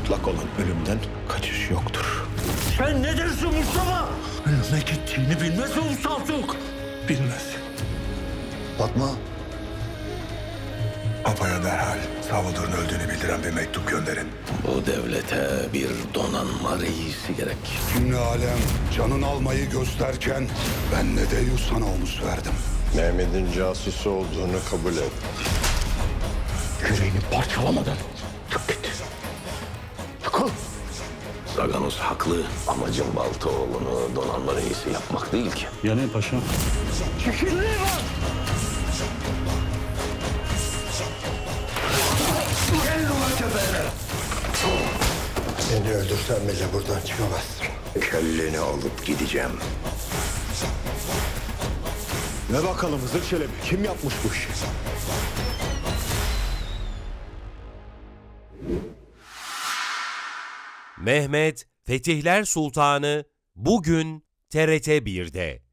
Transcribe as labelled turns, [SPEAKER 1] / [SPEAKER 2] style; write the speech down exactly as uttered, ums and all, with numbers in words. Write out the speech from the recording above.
[SPEAKER 1] mutlak olan ölümden kaçış yoktur.
[SPEAKER 2] Sen ne dersin Mustafa? Ne gittiğini bilmez mi bu Saltuk?
[SPEAKER 1] Bilmez.
[SPEAKER 3] Fatma,
[SPEAKER 4] Apa'ya derhal Savudur'un öldüğünü bildiren bir mektup gönderin.
[SPEAKER 2] Bu devlete bir donanma reisi gerek.
[SPEAKER 4] Cümle alem canın almayı gösterken ben ne de sana omuz verdim.
[SPEAKER 5] Mehmet'in casusu olduğunu kabul et.
[SPEAKER 2] Yüreğini parçalamadan çık git. Çıkıl. Zaganos haklı. Amacım Baltaoğlu'nu donanma reisi yapmak değil ki.
[SPEAKER 6] Ya ne paşa?
[SPEAKER 2] Çekilliği var.
[SPEAKER 3] beni öldürsen bile buradan çıkamazsın.
[SPEAKER 4] Kelleni alıp gideceğim.
[SPEAKER 1] Ne bakalım Hızır Çelebi, kim yapmış bu işi?
[SPEAKER 7] Mehmet Fetihler Sultanı bugün T R T bir'de.